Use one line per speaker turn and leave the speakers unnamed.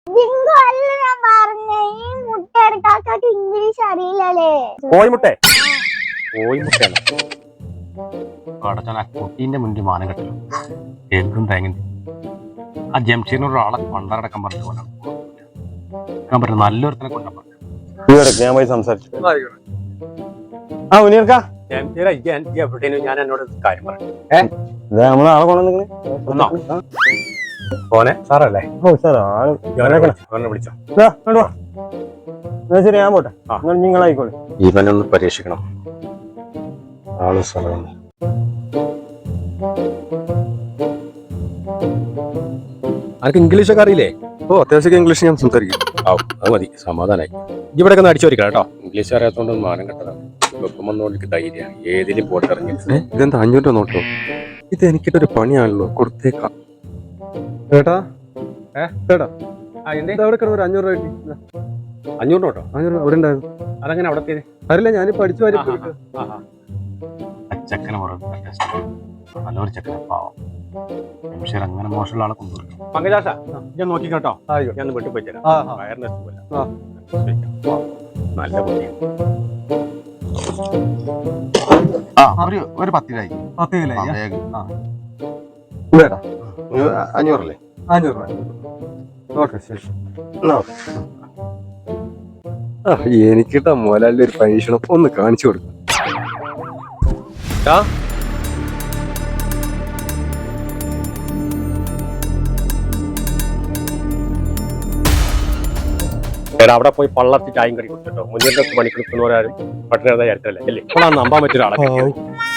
English അറിയില്ലല്ലേ?
കോഴിമുട്ട കോഴിമുട്ടയാണ് കടച്ചാൽ ആ കുട്ടീന്റെ മുന്നിൽ മാനം കെട്ടല്ലോ എന്തും തേങ്ങ ആ ജംഷീറിനോട് ഒരാളെ കൊണ്ടടക്കാൻ പറഞ്ഞു പോകാൻ പറ്റും നല്ലൊരുത്തനെ കൊണ്ടാൻ പറഞ്ഞു
ഞാൻ പോയി സംസാരിച്ചു. ആ ഉനിയർക്കാ
ഞാൻ എന്നോട് കാര്യം പറഞ്ഞു
നമ്മളെ ആളെ കൊണ്ടുവന്നിങ്ങനെ
പോനെ സാറല്ലേ?
ഓ സാർ ആള്
വിളിച്ചോ
ശരി ഞാൻ പോട്ടെ. നിങ്ങളായിക്കോളെ.
ഇവനൊന്ന് പരീക്ഷിക്കണം ആള് സ്ഥലം അനക്ക് ഇംഗ്ലീഷൊക്കെ അറിയില്ലേ?
ഓ അത്യാവശ്യം ഇംഗ്ലീഷ് ഞാൻ സംസാരിക്കും.
അത് മതി സമാധാനായി. ഇവിടെ ഒന്ന് അടിച്ചു വരിക്കണം കേട്ടോ. ഇംഗ്ലീഷ് അറിയാത്തോണ്ട് മാനം കെട്ടതാണ്. വെക്കുമെന്നോണ്ട് ധൈര്യമാണ് ഏതിലും പോട്ടിറങ്ങി.
ഇതെന്താ 500 രൂപ നോട്ടോ? ഇത് എനിക്കിട്ടൊരു പണിയാണല്ലോ, കൊടുത്തേക്കാം. ചേട്ടാ ചേട്ടാ അവിടെ കിടന്ന് ഒരു 500 രൂപ കിട്ടി.
500 കേട്ടോ?
500 അവിടെ ഉണ്ടായിരുന്നു.
അതങ്ങനെ അവിടെ
അറിയില്ല, ഞാനിപ്പോ പഠിച്ചു വരും.
ചെക്കനെ നല്ലൊരു ചെക്കനെ പാവം ജംഷീർ അങ്ങനെ മോശമുള്ള ആളെ കൊണ്ടുവരും. പങ്കജാശ ഞാൻ നോക്കി കേട്ടോ. ഞാൻ വീട്ടിൽ പോയി തരാം. വയറിന് സുഖമില്ല. നല്ല കുട്ടി. ഒരു 10 രൂപ 500 അല്ലേ?
500 രൂപ. ഓക്കെ ശരി. എനിക്കിട്ടാ മോലാലിന്റെ ഒരു പരീക്ഷണം ഒന്ന് കാണിച്ചു കൊടുക്കും.
അവിടെ പോയി പള്ളർത്തി ചായം കടി കുടിച്ചിട്ടോ. മുന്നിൽ പണിക്കെടുക്കുന്നവരാരും പട്ടിണി കാര്യത്തിലല്ലേ അല്ലേ? ഇപ്പോൾ നമ്പാൻ പറ്റിയ ഒരാളെ